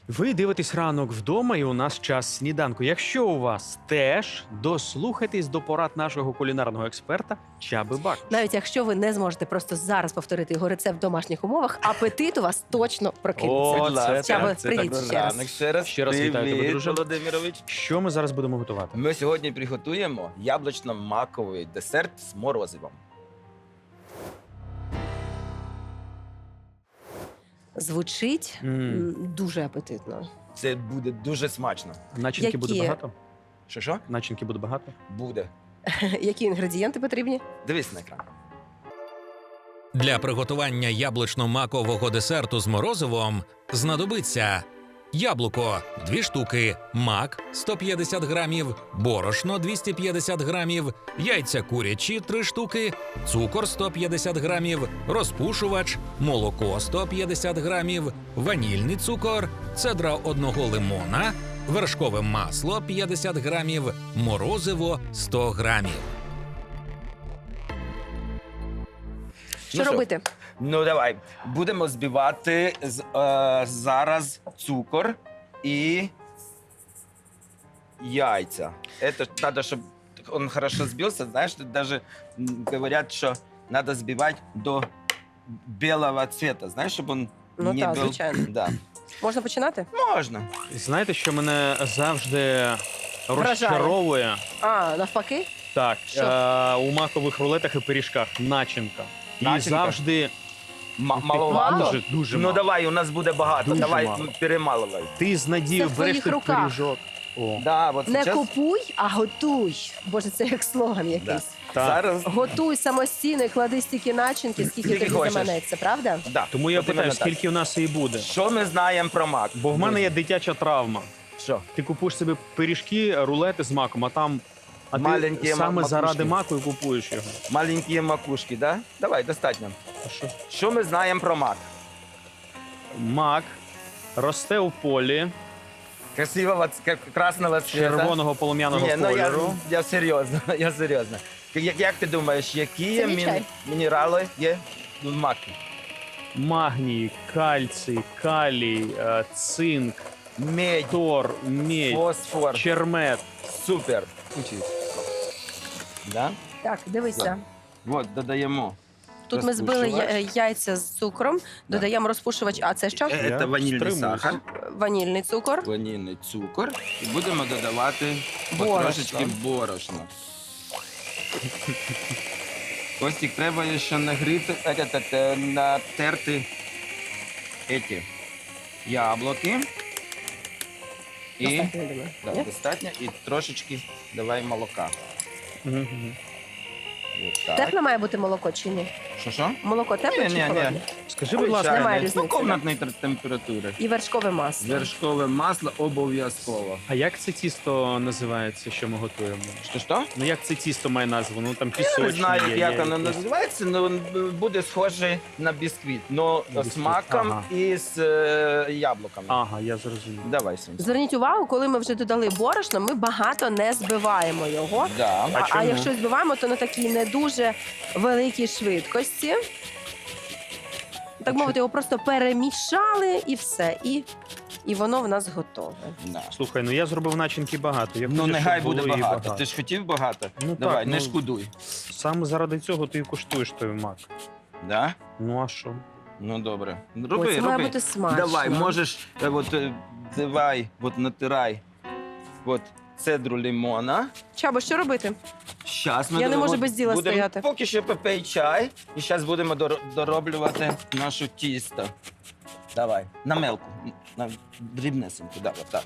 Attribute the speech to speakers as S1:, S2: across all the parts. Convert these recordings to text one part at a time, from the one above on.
S1: Ви дивитесь ранок вдома, і у нас час сніданку. Якщо у вас теж, дослухайтесь до порад нашого кулінарного експерта Чаби Бакуш.
S2: Навіть якщо ви не зможете просто зараз повторити його рецепт в домашніх умовах, апетит у вас точно прокинеться.
S1: О, це
S2: Чаба,
S1: так, це
S2: привіт
S1: так.
S2: ще раз.
S3: Ранок ще раз.
S1: Ще раз вітаю тебе,
S3: Привіт,
S1: друже.
S3: Володимирович.
S1: Що ми зараз будемо готувати?
S3: Ми сьогодні приготуємо яблучно-маковий десерт з морозивом.
S2: Звучить дуже апетитно.
S3: Це буде дуже смачно.
S1: Начинки
S2: Які?
S1: буде багато?
S3: Що?
S1: Начинки буде багато?
S3: Буде.
S2: Які інгредієнти потрібні?
S3: Дивись на екран.
S4: Для приготування яблучно-макового десерту з морозивом знадобиться яблуко – 2 штуки, мак – 150 грамів, борошно – 250 грамів, яйця курячі – 3 штуки, цукор – 150 грамів, розпушувач, молоко – 150 грамів, ванільний цукор, цедра одного лимона, вершкове масло – 50 грамів, морозиво – 100 грамів.
S2: Що робити?
S3: Ну, давай. Будемо збивати зараз цукор і яйця. Это надо, щоб он хорошо збився. Знаєш, даже говорять, що надо збивати до білого цвета. Знаєш, щоб он
S2: Ну
S3: не
S2: так,
S3: був...
S2: звичайно.
S3: Да.
S2: Можна починати?
S3: Можна.
S1: Знаєте, що мене завжди
S2: Вражає.
S1: розчаровує?
S2: А, навпаки?
S1: Так,
S2: Що?
S1: у макових рулетах і пиріжках начинка. І
S3: Начинка?
S1: завжди
S3: Маловато?
S1: дуже, дуже
S3: Ну
S1: мало.
S3: давай, у нас буде багато.
S1: Дуже
S3: Давай
S1: мало.
S3: перемалувай.
S1: Ти з надією
S2: Це в
S1: береш
S2: твоїх
S1: той
S2: руках.
S1: пиріжок. О,
S3: Да, от
S2: Не
S3: сейчас...
S2: купуй, а готуй. Боже, це як слоган якийсь.
S1: так.
S3: Зараз...
S2: Готуй самостійно і клади стільки начинки, скільки
S3: Скільки
S2: тобі
S3: хочеш.
S2: заманеться, правда?
S3: Да.
S1: Тому я
S3: От
S1: питаю,
S3: іменно так.
S1: скільки у нас її буде?
S3: Що ми знаємо про мак?
S1: Бо в мене є дитяча травма.
S3: Що?
S1: Ти купуєш собі пиріжки, рулети з маком, а там ти
S3: Маленькі
S1: саме
S3: макушки.
S1: заради маку і купуєш його.
S3: Маленькі макушки, да? Давай, достатньо.
S1: А що?
S3: Що ми знаємо про мак?
S1: Мак росте у полі
S3: Красивого, красного цвета.
S1: червоного полум'яного
S3: Ні, ну
S1: кольору.
S3: я серйозно, я серйозно. Як ти думаєш, які
S2: Це мій чай.
S3: мінерали є в макі?
S1: Магній, кальцій, калій, цинк,
S3: Медь,
S1: тор, медь,
S3: фосфор.
S1: чермет.
S3: Супер. Учись. Да?
S2: Так, дивися.
S3: От, додаємо.
S2: Тут ми збили
S3: Розпушувач.
S2: яйця з цукром, додаємо розпушувач. А це що?
S3: Це
S1: Я
S3: ванільний
S1: стримуюсь.
S3: сахар,
S2: Ванільний цукор.
S3: ванільний цукор. І будемо додавати
S2: Борошно.
S3: потрошечки борошна. Костік, треба ще нагріти, натерти ці яблуки. І
S2: Достатньо, я думаю.
S3: да,
S2: Ні?
S3: достатньо. І трошечки давай молока.
S1: Мгм.
S3: От так.
S2: Тепле має бути молоко чи ні?
S3: Що?
S2: Молоко тепле чи
S3: Ні.
S2: холодне?
S1: Скажи, будь ласка,
S2: Немає
S3: Звичайно,
S2: різниці,
S3: ну, комнатної температури.
S2: І вершкове масло.
S3: Вершкове масло обов'язково.
S1: а як це тісто називається, що ми готуємо?
S3: Що?
S1: Ну як це тісто має назву? Ну там
S3: Я
S1: пісочне
S3: не знаю,
S1: є,
S3: як
S1: є
S3: воно
S1: якесь.
S3: називається, але буде схоже на бісквіт, але з
S1: Бісквіт,
S3: маком
S1: ага.
S3: і з яблуками.
S1: Ага, я зрозумів.
S3: Давай, Сонце.
S2: Зверніть увагу, коли ми вже додали борошно, ми багато не збиваємо його.
S3: Да.
S1: А
S2: А
S1: чому?
S2: якщо збиваємо, то на такій не дуже великій швидкості. Так мовити, його просто перемішали і все. І воно в нас готове.
S3: Да.
S1: Слухай, ну я зробив начинки багато. Я
S3: Ну,
S1: хочу,
S3: нехай
S1: щоб
S3: буде
S1: було її
S3: багато. Ти ж хотів багато?
S1: Ну,
S3: Давай,
S1: так,
S3: не
S1: ну,
S3: шкодуй.
S1: Саме заради цього ти і куштуєш той мак.
S3: Да?
S1: Ну а що?
S3: Ну, добре.
S2: Ой,
S3: Роби,
S2: це має
S3: роби.
S2: бути смачно.
S3: Давай, можеш, давай, натирай. Цедру лимона.
S2: Чабо, що робити?
S3: Щас ми
S2: Я не можу
S3: будемо-
S2: без діла
S3: будемо
S2: стояти.
S3: Поки що попий чай, і зараз будемо дороблювати нашу тісто. Давай, на мелку, на дрібнесеньку, да, отак.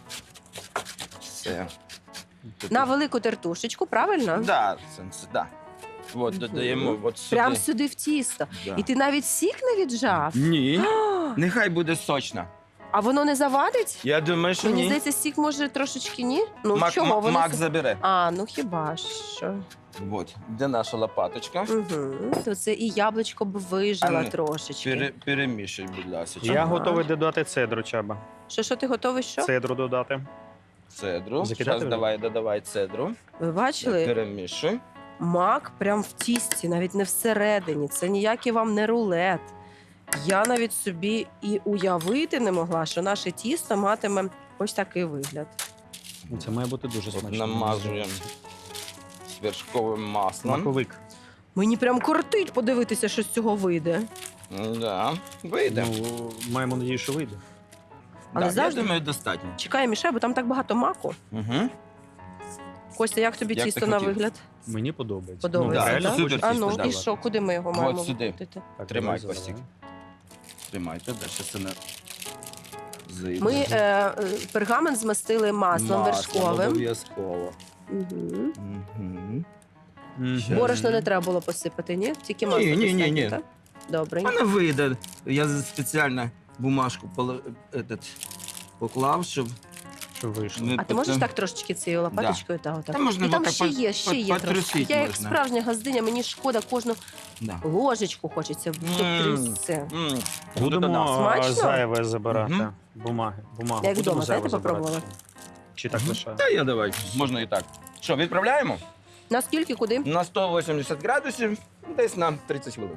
S3: Все.
S2: На велику тертушечку, правильно?
S3: Да, Сонце, да. От, додаємо от сюди.
S2: Прям сюди в тісто.
S3: Да.
S2: І ти навіть сік не віджав?
S3: Ні,
S2: А,
S3: нехай буде сочно.
S2: а воно не завадить?
S3: Я думаю, що
S2: Мені
S3: ні.
S2: здається, сік може трошечки ні. Ну
S3: Мак,
S2: чого? Вони
S3: мак забере.
S2: А, ну хіба що.
S3: От, де наша лопаточка.
S2: Угу. То це і яблучко б вижило
S3: А ну,
S2: трошечки.
S3: Перемішай, будь ласка.
S1: Я
S2: Ага.
S1: готовий додати цедру, Чаба.
S2: Що ти готовий? Що?
S1: Цедру додати.
S3: Цедру.
S1: Закидати
S3: Зараз
S1: вже?
S3: додавай цедру.
S2: Ви бачили?
S3: Перемішуй.
S2: Мак прям в тісті, навіть не всередині. Це ніякий вам не рулет. Я навіть собі і уявити не могла, що наше тісто матиме ось такий вигляд.
S1: Ну, це має бути дуже
S3: От
S1: смачно.
S3: намазуємо вершковим маслом.
S1: Маковик.
S2: Мені прям кортить подивитися, що з цього вийде.
S3: Да, вийде.
S1: Ну, маємо надію, що вийде.
S2: Але
S3: Да,
S2: завжди-
S3: я думаю, достатньо.
S2: Чекай, мішай, бо там так багато маку.
S3: Угу.
S2: Костя, як тобі
S3: Як ти
S2: тісто на
S3: хотів.
S2: вигляд?
S1: Мені подобається.
S2: Подобається,
S3: да,
S1: реально
S3: це супер
S1: хочеться
S2: А ну,
S3: тісто,
S2: і
S3: да.
S2: що, куди ми його
S3: От
S2: маємо
S3: сюди.
S2: викрутити?
S1: Так,
S3: Тримай,
S1: давай,
S3: Костік.
S1: давай.
S3: Тримайте, далі це не зайде.
S2: Ми пергамент змастили маслом вершковим.
S3: Обов'язково.
S2: Угу.
S3: Угу.
S1: Мгм.
S2: Борошно не треба було посипати, ні? Тільки
S3: Ні,
S2: масло
S3: ні, ні,
S2: достатньо,
S3: ні.
S2: так? Добре.
S3: Вона вийде. Я спеціально бумажку поклав, щоб
S1: Що вийшло?
S3: ми
S2: А ти можеш так трошечки цією лопаточкою та отак?
S3: Та можна
S2: І там
S3: отак
S2: ще є, ще є трошки.
S3: потрусить
S2: Я як
S3: можна.
S2: справжня газдиня, мені шкода кожну
S3: Да.
S2: ложечку хочеться втрясти.
S3: М.
S1: Будемо
S2: Смачно?
S1: зайве забирати.
S3: Мгм.
S1: Бумагу.
S2: Як
S1: Будемо
S2: вдома,
S1: зайве
S2: знаєте,
S1: забирати.
S2: попробувала?
S1: Чи так
S3: Мгм.
S1: лише?
S3: Та я давай, можна і так. Що, відправляємо?
S2: Наскільки, куди?
S3: На 180 градусів, десь на 30 хвилин.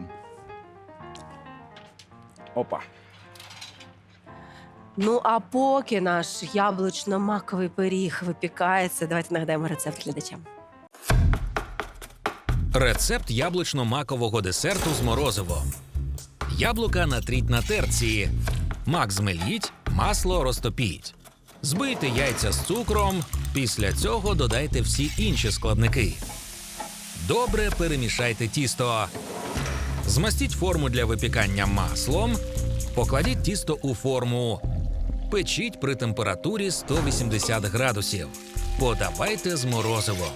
S3: Опа.
S2: Ну, а поки наш яблучно-маковий пиріг випікається, давайте нагадаємо рецепт глядачам.
S4: Рецепт яблучно-макового десерту з морозивом. Яблука натріть на терці. Мак змеліть, масло розтопіть. Збийте яйця з цукром. Після цього додайте всі інші складники. Добре перемішайте тісто. Змастіть форму для випікання маслом. Покладіть тісто у форму. Печіть при температурі 180 градусів. Подавайте з морозивом.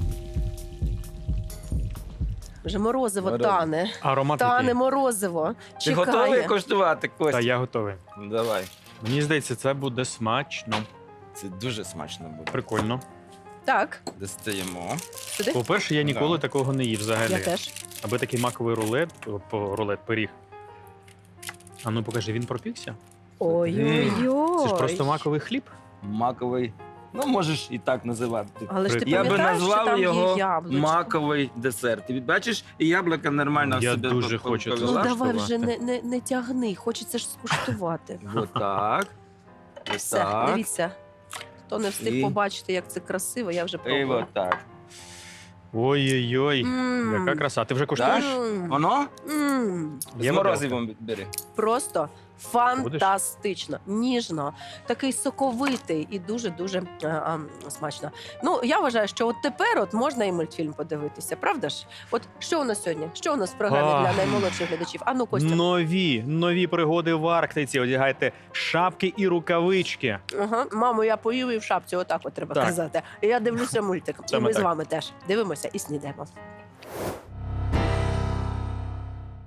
S2: Вже морозиво
S3: Морозиво.
S2: тане.
S1: Аромат
S2: Тане
S1: який?
S2: морозиво.
S3: Ти готовий
S2: Чекає.
S3: коштувати,
S1: Та
S3: Костя?
S1: я готовий.
S3: Давай.
S1: Мені здається, це буде смачно.
S3: Це дуже смачно буде.
S1: Прикольно.
S2: Так,
S3: Достаємо.
S2: сюди.
S1: По-перше, я ніколи
S3: Да.
S1: такого не їв взагалі.
S2: Я теж.
S1: Аби такий маковий рулет, пиріг. А ну покажи, він пропікся?
S2: Ой-ой-ой.
S1: Це ж просто маковий хліб.
S3: Маковий. Ну, можеш і так називати.
S2: Але ж ти
S3: Я би
S2: пам'ятаєш, що
S3: назвав
S2: там
S3: його
S2: є яблучко?
S3: маковий десерт. Ти бачиш, і яблука нормально
S1: Я
S3: себе
S1: дуже
S3: по-
S1: хочу це
S2: Ну
S3: повела.
S2: давай вже
S1: влаштувати.
S2: не тягни, хочеться ж скуштувати.
S3: Отак. Ось
S2: Все,
S3: так.
S2: дивіться. Хто не встиг
S3: І-
S2: побачити, як це красиво, я вже
S3: І
S2: пробую.
S3: отак.
S1: Ой-ой-ой,
S2: М.
S1: яка краса. Ти вже куштуєш?
S2: М.
S3: Воно?
S1: Є
S3: З морозивом бери.
S2: Просто фантастично, ніжно, такий соковитий і дуже-дуже смачно. Ну, я вважаю, що от тепер от можна і мультфільм подивитися, правда ж? От що у нас сьогодні? Що у нас в програмі
S1: Ах.
S2: для наймолодших глядачів? А ну, Костя.
S1: Нові пригоди в Арктиці. Одягайте шапки і рукавички.
S2: Ага. Мамо, я поїв і в шапці, отак от треба
S1: Так.
S2: казати. І я дивлюся мультик. І
S1: Саме
S2: ми з
S1: так.
S2: вами теж дивимося і снідаємо.